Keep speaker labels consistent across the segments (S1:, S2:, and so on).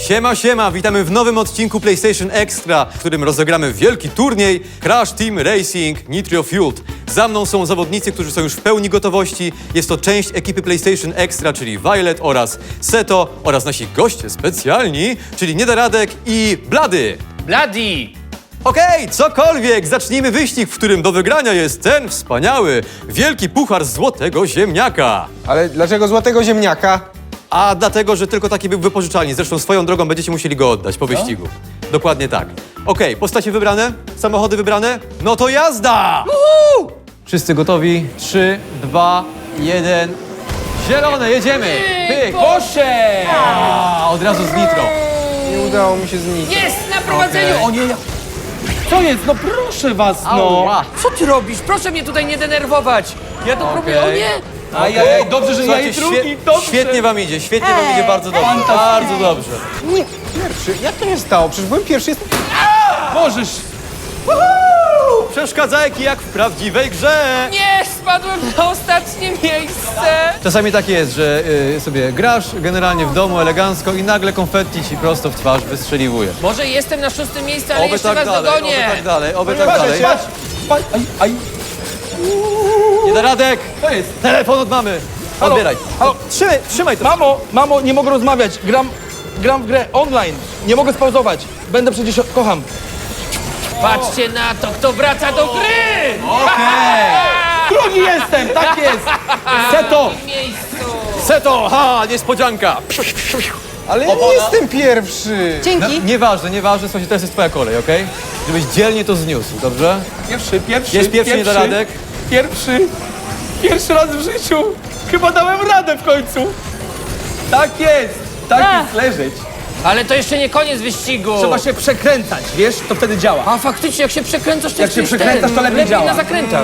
S1: Siema, siema, witamy w nowym odcinku PlayStation Extra, w którym rozegramy wielki turniej Crash Team Racing Nitro Fueled. Za mną są zawodnicy, którzy są już w pełni gotowości. Jest to część ekipy PlayStation Extra, czyli Violet oraz Seto oraz nasi goście specjalni, czyli Niederadek i Blady.
S2: Bloody!
S1: Okej, cokolwiek, zacznijmy wyścig, w którym do wygrania jest ten wspaniały, wielki puchar złotego ziemniaka.
S3: Ale dlaczego złotego ziemniaka?
S1: A dlatego, że tylko taki był wypożyczalni. Zresztą swoją drogą będziecie musieli go oddać po wyścigu. Dokładnie tak. Okej, postacie wybrane? Samochody wybrane? No to jazda! Wszyscy gotowi? 3, 2, 1. Zielone, jedziemy! Pyk!
S2: Poszedł!
S1: A, od razu z nitro.
S3: Nie udało mi się zniszczyć.
S2: Jest na prowadzeniu!
S1: Okej.
S2: O nie, co jest? No proszę was, no!
S1: Ała.
S2: Co ty robisz? Proszę mnie tutaj nie denerwować! Ja to próbuję, o nie!
S4: Ajajaj, dobrze, że ja
S1: Słuchajcie,
S4: i drugi,
S1: świe-
S4: dobrze.
S1: świetnie wam idzie, bardzo dobrze. Bardzo dobrze.
S3: Nie, pierwszy. Jak to się stało? Przecież byłem pierwszy.
S4: Możesz.
S1: Przeszkadzajki jak w prawdziwej grze.
S2: Nie, spadłem na ostatnie miejsce!
S1: Czasami tak jest, że sobie grasz generalnie w domu elegancko i nagle konfetti ci prosto w twarz wystrzeliwuje.
S2: Może jestem na 6. miejscu, ale
S1: Oby
S2: jeszcze
S1: tak
S2: was
S1: dalej, oby
S2: dogonię!
S1: tak dalej, oby tak
S4: Patrz,
S1: dalej.
S4: patrz. Aj.
S1: Niederadek,
S4: To jest.
S1: telefon od mamy.
S4: Halo,
S1: Odbieraj.
S4: halo.
S1: Trzymaj to.
S4: Mamo, nie mogę rozmawiać. Gram w grę online. Nie mogę spauzować. Będę przecież, kocham.
S2: Patrzcie na to, kto wraca do gry!
S4: Drugi jestem, tak jest. Seto.
S2: W miejscu!
S1: Seto, ha, niespodzianka.
S3: Ale ja nie jestem pierwszy.
S1: No, nieważne, słuchajcie, teraz jest twoja kolej, okej? Żebyś dzielnie to zniósł, dobrze?
S4: Pierwszy.
S1: Jest pierwszy Niederadek.
S4: Pierwszy raz w życiu. Chyba dałem radę w końcu. Tak jest, leżeć.
S2: Ale to jeszcze nie koniec wyścigu!
S4: Trzeba się przekręcać, wiesz, to wtedy działa.
S2: A faktycznie, jak się przekręcasz, to
S4: Jak się
S2: jesteś
S4: przekręcasz, to lepiej działa.
S2: na zakrętach.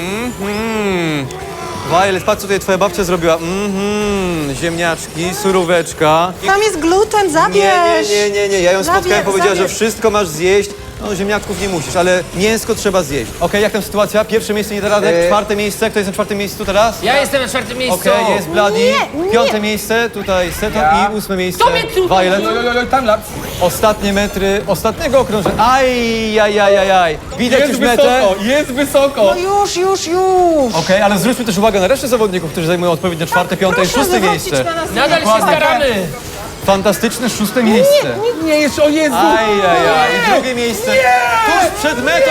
S1: Violet, patrz co tutaj twoja babcia zrobiła. Ziemniaczki, suróweczka.
S5: Tam jest gluten, zabierz!
S1: Nie. Ja ją spotkałem, powiedziała, że
S5: zabierz.
S1: wszystko masz zjeść. No, ziemniaczków nie musisz, ale mięsko trzeba zjeść. Okej, jak tam sytuacja? Pierwsze miejsce Niederadek, czwarte miejsce. Kto jest na czwartym miejscu teraz?
S2: Ja jestem na 4. miejscu.
S1: Okej, jest Bloody.
S5: Nie.
S1: Piąte miejsce, tutaj Seto i 8 miejsce.
S2: Kto mnie tu-
S1: Violet.
S4: Timelapse.
S1: Ostatnie metry, ostatniego okrążenia. Aj. Widać już metę.
S4: Jest wysoko.
S5: No już!
S1: Okej, ale zwróćmy też uwagę na resztę zawodników, którzy zajmują odpowiednio czwarte, piąte i
S5: Proszę
S1: szóste
S5: zwrócić
S1: miejsce.
S5: na nas
S2: Nadal się
S1: Dokładnie.
S2: staramy.
S1: Fantastyczne szóste miejsce.
S4: Nie, jeszcze, o Jezu.
S1: Ajajaj, i drugie miejsce. Tuż przed metą.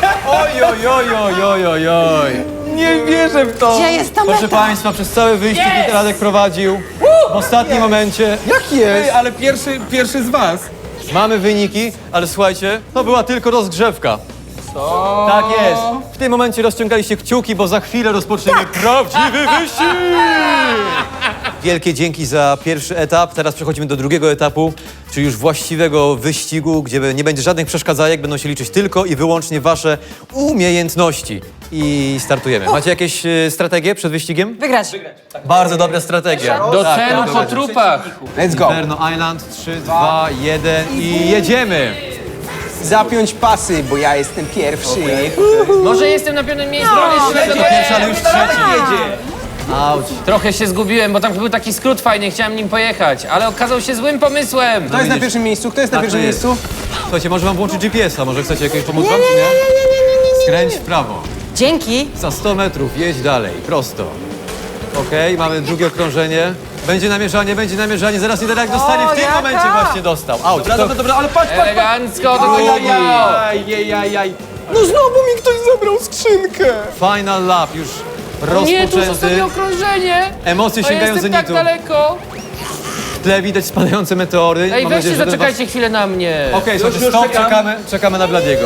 S1: Oj.
S4: Nie wierzę w to.
S5: Gdzie jest ta
S1: Proszę
S5: meta?
S1: Państwa, przez cały wyścig
S2: Jest!
S1: Niederadek prowadził. W ostatnim momencie
S3: Jak jest?
S4: Ale pierwszy z was.
S1: mamy wyniki, ale słuchajcie, to była tylko rozgrzewka. Tak jest. W tym momencie rozciągaliście kciuki, bo za chwilę rozpoczniemy prawdziwy wyścig! Wielkie dzięki za pierwszy etap. Teraz przechodzimy do drugiego etapu, czyli już właściwego wyścigu, gdzie nie będzie żadnych przeszkadzajek, będą się liczyć tylko i wyłącznie wasze umiejętności. I startujemy. Macie jakieś strategie przed wyścigiem?
S5: Wygrać.
S1: Bardzo dobra strategia.
S2: Do
S1: Tak,
S2: celu
S1: tak,
S2: po
S1: tak.
S2: trupach.
S3: Let's go.
S1: Inferno Island, 3, 2, 1 i jedziemy!
S3: Zapiąć pasy, bo ja jestem pierwszy.
S2: Może jestem na 5. miejscu, ale jeszcze
S1: To
S2: będę
S1: pierwszy, ale już trzeci. Auć.
S2: Trochę się zgubiłem, bo tam był taki skrót fajny, chciałem nim pojechać, ale okazał się złym pomysłem.
S3: Kto jest na pierwszym miejscu? Kto jest na
S1: Tak,
S3: pierwszym
S1: to jest.
S3: miejscu?
S1: Słuchajcie, może wam włączyć GPS-a, może chcecie jakieś pomóc wam, czy nie? Skręć w prawo.
S5: Dzięki.
S1: Za 100 metrów jedź dalej, prosto. Okej, mamy drugie okrążenie. Będzie namierzanie, zaraz Niederadek dostanie, w tym
S5: jaka?
S1: momencie właśnie dostał. Auć,
S4: Dobra, ale patrz.
S2: Elegancko, do tego
S4: Ajajaj. No znowu mi ktoś zabrał skrzynkę.
S1: final lap już
S2: Nie, tu jest
S1: rozpoczęty.
S2: ostatnie okrążenie.
S1: Emocje
S2: A
S1: sięgają
S2: jestem tak
S1: zenitu.
S2: daleko.
S1: W tle widać spadające meteory.
S2: Ej,
S1: Mam
S2: weźcie,
S1: nadzieję, że ten
S2: zaczekajcie chwilę na mnie.
S1: was- Okej, słuchajcie,
S4: już
S1: stop,
S4: czekam.
S1: czekamy na Bladiego.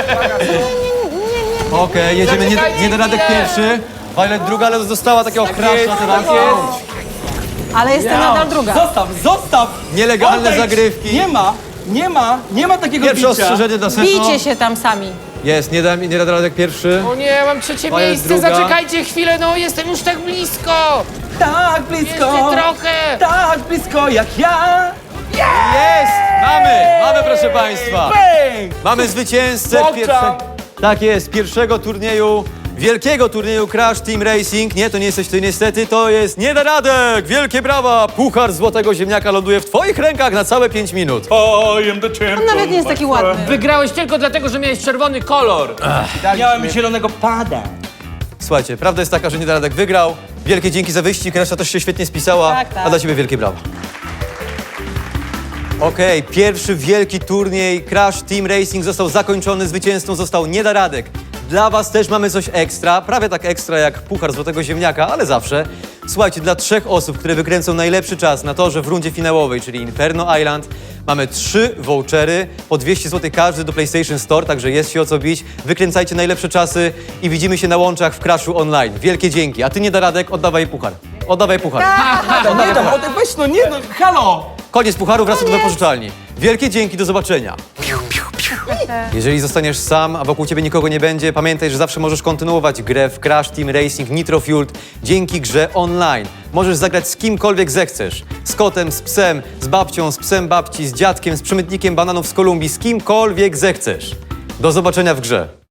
S1: Okej, jedziemy,
S2: Zaczekajcie
S1: Niederadek
S2: chwilę.
S1: pierwszy. Violet druga, ale dostała takiego crasha teraz.
S5: Ale jestem nadal druga.
S4: Zostaw.
S1: Nielegalne
S4: Odejdź.
S1: zagrywki.
S4: Nie ma takiego
S1: Pierwsze
S4: bicia.
S1: ostrzeżenie dla Seto.
S5: Bijcie się tam sami.
S1: Jest, Niederadek pierwszy.
S2: O nie, mam 3.
S1: Moja
S2: miejsce,
S1: druga.
S2: zaczekajcie chwilę, no jestem już tak blisko.
S4: Tak blisko.
S2: Jeszcze trochę.
S4: Tak blisko jak ja.
S1: Jest! Mamy proszę Państwa.
S4: Bang!
S1: Mamy zwycięzcę
S4: Bokcza.
S1: pierwszego. Tak jest, pierwszego turnieju wielkiego turnieju Crash Team Racing. Nie, to nie jesteś ty niestety, to jest Niedaradek! Wielkie brawa! Puchar Złotego Ziemniaka ląduje w twoich rękach na całe 5 minut.
S6: I am the champion.
S5: On nawet nie jest taki ładny.
S2: Wygrałeś tylko dlatego, że miałeś czerwony kolor.
S6: Miałem zielonego pada.
S1: Słuchajcie, prawda jest taka, że Niedaradek wygrał. Wielkie dzięki za wyścig, reszta też się świetnie spisała.
S5: Tak, tak.
S1: A dla ciebie wielkie brawa. Okej, pierwszy wielki turniej Crash Team Racing został zakończony. Zwycięzcą został Niedaradek. Dla was też mamy coś ekstra, prawie tak ekstra jak Puchar Złotego Ziemniaka, ale zawsze. Słuchajcie, dla 3 osób, które wykręcą najlepszy czas na torze w rundzie finałowej, czyli Inferno Island, mamy 3 vouchery, po 200 zł każdy do PlayStation Store, także jest się o co bić. Wykręcajcie najlepsze czasy i widzimy się na łączach w Crashu Online. Wielkie dzięki. A ty, Niedaradek, oddawaj puchar. Oddawaj puchar.
S4: Nie tam, weź no, nie no, halo!
S1: Koniec pucharu, wracasz do wypożyczalni. Wielkie dzięki, do zobaczenia. Jeżeli zostaniesz sam, a wokół ciebie nikogo nie będzie, pamiętaj, że zawsze możesz kontynuować grę w Crash Team Racing Nitro Fueled dzięki grze online. Możesz zagrać z kimkolwiek zechcesz. Z kotem, z psem, z babcią, z psem babci, z dziadkiem, z przemytnikiem bananów z Kolumbii, z kimkolwiek zechcesz. Do zobaczenia w grze.